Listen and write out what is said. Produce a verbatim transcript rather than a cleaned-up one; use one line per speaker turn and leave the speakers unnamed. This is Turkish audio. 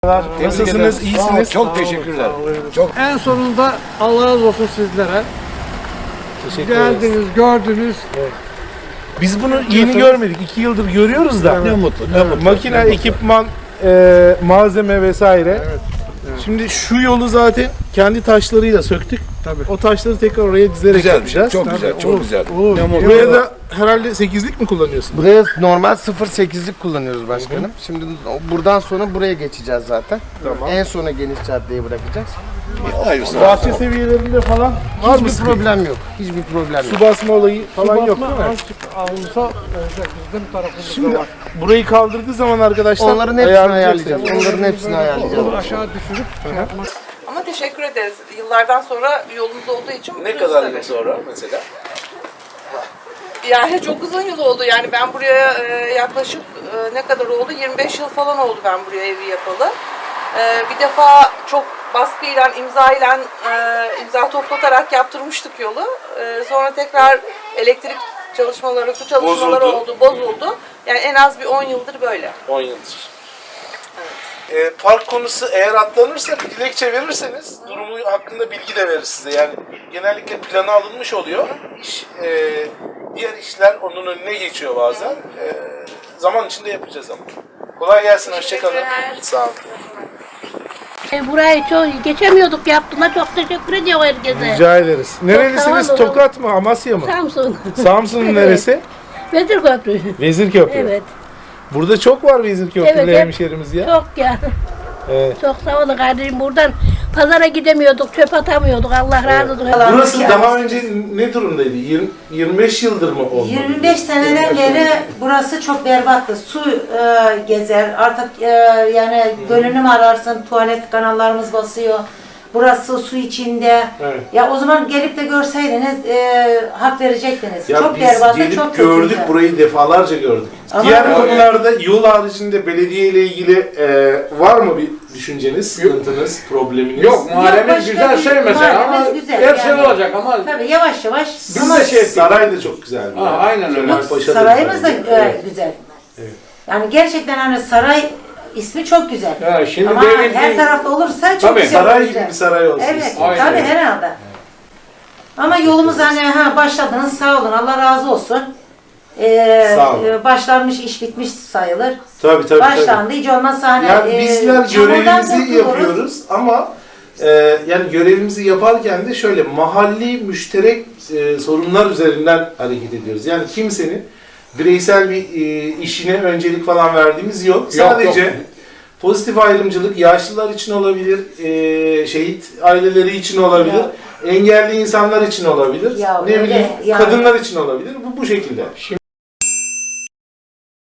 Nasılsınız? İyisiniz?
Çok teşekkürler. Çok.
En sonunda Allah razı olsun sizlere.
Teşekkür ederiz.
Geldiniz, gördünüz.
Biz bunu yeni görmedik. iki yıldır görüyoruz da.
Ne mutlu, ne mutlu.
Makine, ekipman, e, malzeme vesaire. Şimdi şu yolu zaten kendi taşlarıyla söktük.
Tabii.
O taşları tekrar oraya dizerek
Güzel,
yapacağız.
çok güzel, çok güzel.
Olur.
Buraya da herhalde sekizlik mi kullanıyorsun?
Buraya normal sıfır virgül sekizlik kullanıyoruz başkanım. Şimdi buradan sonra buraya geçeceğiz zaten.
Tamam.
En sona geniş caddeyi bırakacağız.
Hayırlısı.
Bahçe seviyelerinde falan var mı?
Hiçbir problem yok. Hiçbir problem yok.
Su basma olayı falan yok değil mi?
Azıcık alınsa olacak bizim tarafımızda
Şimdi
var.
burayı kaldırdığı zaman arkadaşlar
Onların hepsini ayarlayacağız.
ayarlayacağız.
Onların hepsini ayarlayacağız.
Onu aşağı düşürüp şey yapmak.
Ama teşekkür ederiz. Yıllardan sonra yolumuz olduğu için
Ne
mutluyuz
kadar
tabii.
yıl sonra mesela?
Yani çok uzun yıl oldu. Yani ben buraya e, yaklaşık e, ne kadar oldu? yirmi beş yıl falan oldu ben buraya evi yapalı. E, bir defa çok baskıyla, imzayla, e, imza toplatarak yaptırmıştık yolu. E, sonra tekrar elektrik çalışmaları, su çalışmaları
Bozuldu.
oldu, bozuldu. Yani en az bir on yıldır böyle.
on yıldır. E, park konusu eğer atlanırsa bir dilekçe verirseniz durumu hakkında bilgi de verir size. Yani genellikle plana alınmış oluyor. İş, e, diğer işler onun önüne geçiyor bazen. E, zaman içinde yapacağız ama. Kolay gelsin, hoşçakalın. Sağ olun.
E, burayı çok geçemiyorduk, yaptığına çok teşekkür ediyorum herkese.
Rica ederiz. Nerelisiniz?
sağ olun.
Tokat mı? Amasya mı?
Samsun.
Samsun'un neresi?
Vezir Köprü.
Vezirköprü.
Evet.
Burada çok var Vezirköprülü
Evet, hep-
hemşerimiz ya.
Çok ya.
Evet.
Çok sağ olun kardeşim. Buradan pazara gidemiyorduk, çöp atamıyorduk. Allah razı olsun.
Burası daha önce ne durumdaydı? yirmi, yirmi beş yıldır mı oldu?
yirmi beş seneden beri burası çok berbattı. Su e, gezer, artık e, yani gölünü mü ararsın, tuvalet kanallarımız basıyor. Burası su içinde.
Evet.
Ya o zaman gelip de görseydiniz e, hak verecektiniz.
Ya
çok
biz
berbattı,
gelip
çok
gördük,
kötüydü.
burayı defalarca gördük.
Ama-
Diğer
Ama-
konularda yol haricinde belediye ile ilgili e, var mı bir düşünceniz, sıkıntınız, probleminiz?
Yok, mahallemiz
başka
güzel
bir-
şey mesela ama
mahallemiz güzel
her şey
yani.
olacak ama
Tabii yavaş yavaş.
biz
ama
de şey ettik.
Saray da çok güzel.
Ha, aynen öyle.
Kemalpaşa da
sarayımız da
güzel.
e,
Evet.
güzel.
Evet.
Yani gerçekten hani saray ismi çok güzel.
Ha, şimdi
Ama
devlet-
her tarafta olursa çok
Tabii,
güzel
Saray
olacak.
gibi bir saray olsun.
Evet,
istiyoruz.
Aynen.
tabii herhalde. Ama yolumuz hani ha başladınız sağ olun Allah razı olsun. Ee,
Sağ olun.
e, başlanmış iş bitmiş sayılır.
Tabii tabii.
Başlandı hiç olmazsa hani
Yani
e,
bizler
çamurdan
görevimizi
kurtuluruz.
yapıyoruz ama e, yani görevimizi yaparken de şöyle mahalli müşterek e, sorunlar üzerinden hareket ediyoruz. Yani kimsenin bireysel bir e, işine öncelik falan verdiğimiz yok.
Yok,
Sadece
yok.
pozitif ayrımcılık yaşlılar için olabilir, e, şehit aileleri için olabilir,
Ya.
engelli insanlar için olabilir,
Ya
ne
öyle,
bileyim
yani.
kadınlar için olabilir. Bu bu şekilde.